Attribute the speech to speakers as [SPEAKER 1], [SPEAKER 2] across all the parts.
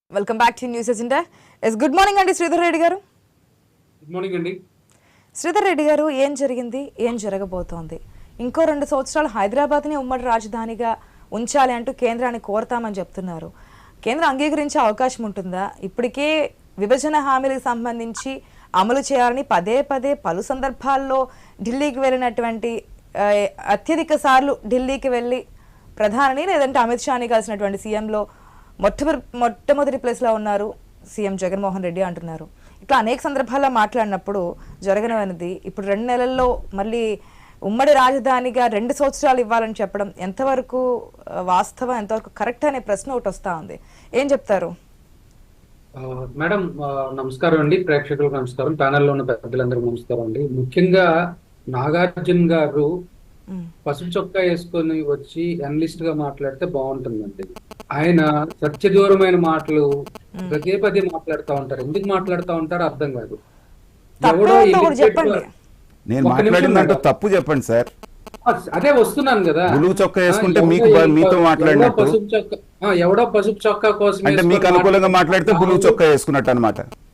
[SPEAKER 1] Welcome back to news agenda. Good morning అండి శ్రీధర్ రెడ్డి గారు.
[SPEAKER 2] Good morning అండి.
[SPEAKER 1] శ్రీధర్ రెడ్డి గారు, ఏం జరిగింది, ఏం జరగబోతోంది? ఇంకో 2 సంవత్సరాలు హైదరాబాద్ని ఉమ్మడి రాజధానిగా ఉంచాలి అంటూ కేంద్రాన్ని కోరతామని చెప్తున్నారు. కేంద్రం అంగీకరించే అవకాశం ఉంటుందా? ఇప్పటికే విభజన హామీలకు సంబంధించి అమలు చేయాలని పదే పదే పలు సందర్భాల్లో ఢిల్లీకి వెళ్ళినటువంటి అత్యధిక సార్లు ఢిల్లీకి వెళ్ళి ప్రధాని లేదంటే అమిత్ షాని కలిసినటువంటి సీఎంలో మొట్టమొదటి ప్లేస్లో ఉన్నారు సీఎం జగన్మోహన్ రెడ్డి అంటున్నారు. ఇట్లా అనేక సందర్భాల్లో మాట్లాడినప్పుడు జరగనిది ఇప్పుడు 2 నెలల్లో మళ్ళీ ఉమ్మడి రాజధానిగా 2 సంవత్సరాలు ఇవ్వాలని చెప్పడం ఎంతవరకు వాస్తవం, ఎంతవరకు కరెక్ట్ అనే ప్రశ్న ఒకటి వస్తూ ఉంది. ఏం చెప్తారు?
[SPEAKER 2] మేడం నమస్కారం అండి. ప్రేక్షకులకు నమస్కారం, ప్యానెల్లో ఉన్న పెద్దలందరూ నమస్కారం అండి. ముఖ్యంగా నాగార్జున గారు పసుపు చొక్కా వేసుకొని వచ్చి అనలిస్ట్ గా మాట్లాడితే బాగుంటుందండి. ఆయన సత్యదూరమైన మాటలు పదే పదే మాట్లాడుతూ ఉంటారు. ఎందుకు మాట్లాడుతూ ఉంటారో అర్థం కాదు.
[SPEAKER 3] నేను మాట్లాడిందంటే తప్పు చెప్పండి సార్.
[SPEAKER 2] అదే వస్తున్నాను కదా,
[SPEAKER 3] బ్లూ చొక్కా వేసుకుంటే మీతో మాట్లాడినట్టు,
[SPEAKER 2] ఎవడో పసుపు చొక్కా కోసం
[SPEAKER 3] అంటే మీకు అనుకూలంగా మాట్లాడితే బ్లూ చొక్కా వేసుకున్నట్టు అనమాట.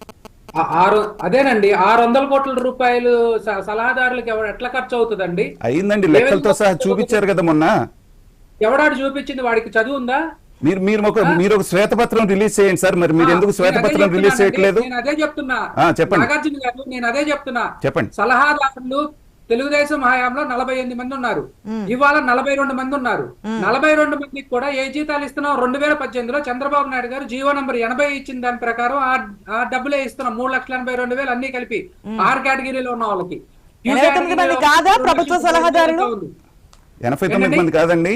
[SPEAKER 2] అదేనండి, 600 కోట్ల రూపాయలు సలహాదారులకు ఎట్లా ఖర్చు అవుతుందండి?
[SPEAKER 3] అయిందండి, లెక్కలతో సహా చూపించారు కదా మొన్న.
[SPEAKER 2] ఎవడాడు చూపించింది? వాడికి చదువు ఉందా?
[SPEAKER 3] మీరు ఒక శ్వేతపత్రం రిలీజ్ చేయండి సార్. మరి మీరు ఎందుకు శ్వేతపత్రం రిలీజ్ చేయట్లేదు?
[SPEAKER 2] నేను అదే చెప్తున్నా.
[SPEAKER 3] చెప్పండి
[SPEAKER 2] నాగార్జున గారు, నేను అదే చెప్తున్నా.
[SPEAKER 3] చెప్పండి.
[SPEAKER 2] సలహాదారులు తెలుగుదేశం హయాంలో 48 మంది ఉన్నారు, ఇవాళ 42 మంది ఉన్నారు. 42 మందికి కూడా ఏ జీతాలు ఇస్తున్నాం? 2018లో చంద్రబాబు నాయుడు గారు జీవో నంబర్ 80 ఇచ్చిన దాని ప్రకారం ఆ డబ్బులే ఇస్తున్నాం. 3,82,000 అన్ని కలిపి 6 కేటగిరీలో ఉన్న వాళ్ళకి.
[SPEAKER 1] 89 మంది కాదా ప్రభుత్వ సలహాదారులు?
[SPEAKER 3] 89 మంది కాదండి,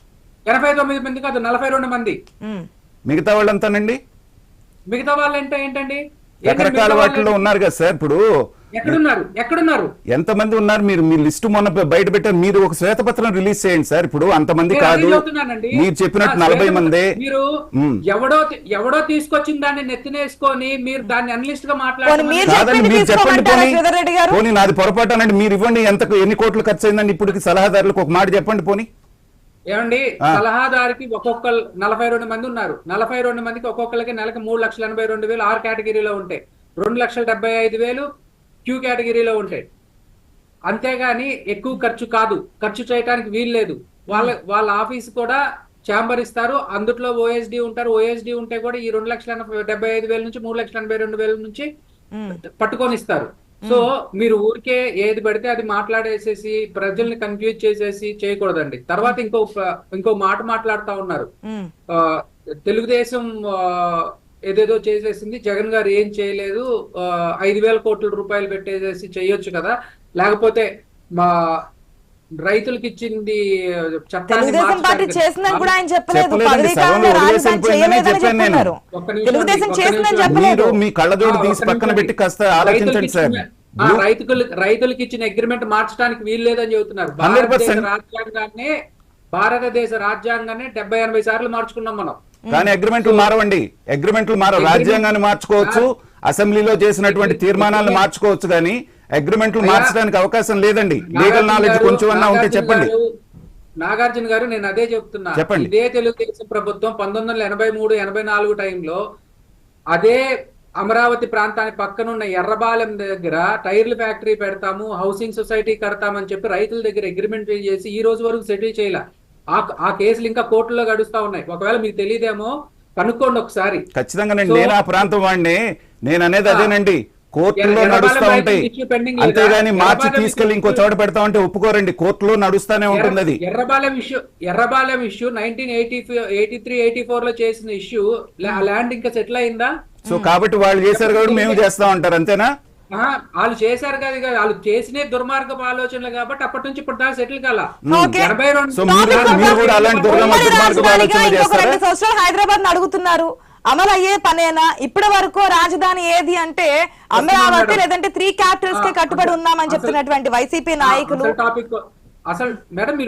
[SPEAKER 2] 89 మంది కాదు, 42 మంది.
[SPEAKER 3] మిగతా వాళ్ళంతానండి.
[SPEAKER 2] మిగతా వాళ్ళు అంటే ఏంటండి?
[SPEAKER 3] రకరకాల వాటిలో ఉన్నారు కదా సార్. ఇప్పుడు
[SPEAKER 2] ఎక్కడున్నారు?
[SPEAKER 3] ఎంతమంది ఉన్నారు? మీరు మీ లిస్టు మొన్న బయట పెట్టారు. మీరు ఒక శ్వేతపత్రం రిలీజ్ చేయండి సార్. ఇప్పుడు అంతమంది కాదు, మీరు చెప్పినట్టు 40 మంది.
[SPEAKER 2] మీరు ఎవడో తీసుకొచ్చిన దాన్ని నెత్తినేసుకొని మీరు దాన్ని అనలిస్ట్ గా మాట్లాడారు.
[SPEAKER 3] మీరు చెప్పండి పోనీ, నాది పొరపాటు అనండి. మీరు ఇవ్వండి, ఎన్ని కోట్లు ఖర్చు అయిందండి ఇప్పటికి సలహాదారులకు? ఒక మాట చెప్పండి పోనీ.
[SPEAKER 2] ఏమండి, సలహాదారికి ఒక్కొక్కరు 42 మంది ఉన్నారు. 42 మందికి ఒక్కొక్కరికి నెలకి 3,82,000 ఆర్ కేటగిరీలో ఉంటాయి. 2,75,000 క్యూ కేటగిరీలో ఉంటాయి. అంతేగాని ఎక్కువ ఖర్చు కాదు, ఖర్చు చేయడానికి వీలు లేదు. వాళ్ళ ఆఫీస్ కూడా ఛాంబర్ ఇస్తారు, అందుట్లో ఓఎస్డి ఉంటారు. ఓఎస్డి ఉంటే కూడా ఈ 2,75,000 నుంచి 3,82,000 నుంచి పట్టుకొని ఇస్తారు. సో మీరు ఊరికే ఏది పడితే అది మాట్లాడేసేసి ప్రజల్ని కన్ఫ్యూజ్ చేసేసి చేయకూడదండి. తర్వాత ఇంకో మాట మాట్లాడుతా ఉన్నారు. తెలుగుదేశం ఏదేదో చేసేసింది, జగన్ గారు ఏం చేయలేదు, 5,000 కోట్ల రూపాయలు పెట్టేసేసి చేయొచ్చు కదా, లేకపోతే మా రైతులకు ఇచ్చింది చట్టాన్ని
[SPEAKER 3] మీ కళ్ళజోడు తీసి పక్కన పెట్టి కాస్త ఆలోచించండి సార్.
[SPEAKER 2] రైతులకు ఇచ్చిన అగ్రిమెంట్ మార్చడానికి వీలు లేదని చెబుతున్నారు. భారతదేశ రాజ్యాంగాన్ని 70-80 సార్లు మార్చుకున్నాం మనం,
[SPEAKER 3] కానీ అగ్రిమెంట్లు మారవండి. అగ్రిమెంట్లు మారవు. రాజ్యాంగాన్ని మార్చుకోవచ్చు, అసెంబ్లీలో చేసినటువంటి తీర్మానాలను మార్చుకోవచ్చు, కానీ అగ్రిమెంట్లు మార్చడానికి అవకాశం లేదండి. లీగల్ నాలెడ్జ్ కొంచెం అన్నా ఉంటే చెప్పండి.
[SPEAKER 2] నాగార్జున గారు, నేను అదే చెప్తున్నా.
[SPEAKER 3] చెప్పండి.
[SPEAKER 2] ఇదే తెలుగుదేశం ప్రభుత్వం 1983-84 టైంలో అదే అమరావతి ప్రాంతానికి పక్కనున్న ఎర్రబాలెం దగ్గర టైర్ల ఫ్యాక్టరీ పెడతాము, హౌసింగ్ సొసైటీ కడతామని చెప్పి రైతుల దగ్గర అగ్రిమెంట్ చేసి ఈ రోజు వరకు సెటిల్ చేయాల. ఆ కేసులు ఇంకా కోర్టులో గడుస్తా ఉన్నాయి. ఒకవేళ మీకు తెలియదేమో కనుక్కోండి ఒకసారి.
[SPEAKER 3] ఖచ్చితంగా నేను ఆ ప్రాంతం వాడిని. నేను అనేది అదేనండి, కోర్టులో నడుస్తా ఉంటాయి, అంతేగాని మార్చి తీసుకెళ్లి ఇంకో చోట పెడతా ఉంటే ఒప్పుకోరండి. కోర్టులో నడుస్తానే ఉంటుంది అది.
[SPEAKER 2] ఎర్రబాలెం ఇష్యూ 1983-84 లో చేసిన ఇష్యూ, ల్యాండ్ ఇంకా సెటిల్ అయిందా?
[SPEAKER 3] సో కాబట్టి వాళ్ళు చేశారు కాబట్టి మేము చేస్తా ఉంటారు, అంతేనా?
[SPEAKER 2] వాళ్ళు చేశారు కదా, వాళ్ళు చేసిన దుర్మార్గపు ఆలోచనలు కాబట్టి అప్పటి నుంచి ఇప్పుడు దాకా సెటిల్ కాల.
[SPEAKER 1] హైదరాబాద్ అడుగుతున్నారు, అమలు అయ్యే పనేనా? ఇప్పటి వరకు రాజధాని ఏది అంటే అమరావతి లేదంటే 3 క్యాపిటల్స్ కే కట్టుబడి ఉన్నామని చెప్తున్నటువంటి వైసీపీ నాయకులు.
[SPEAKER 2] అసలు మేడం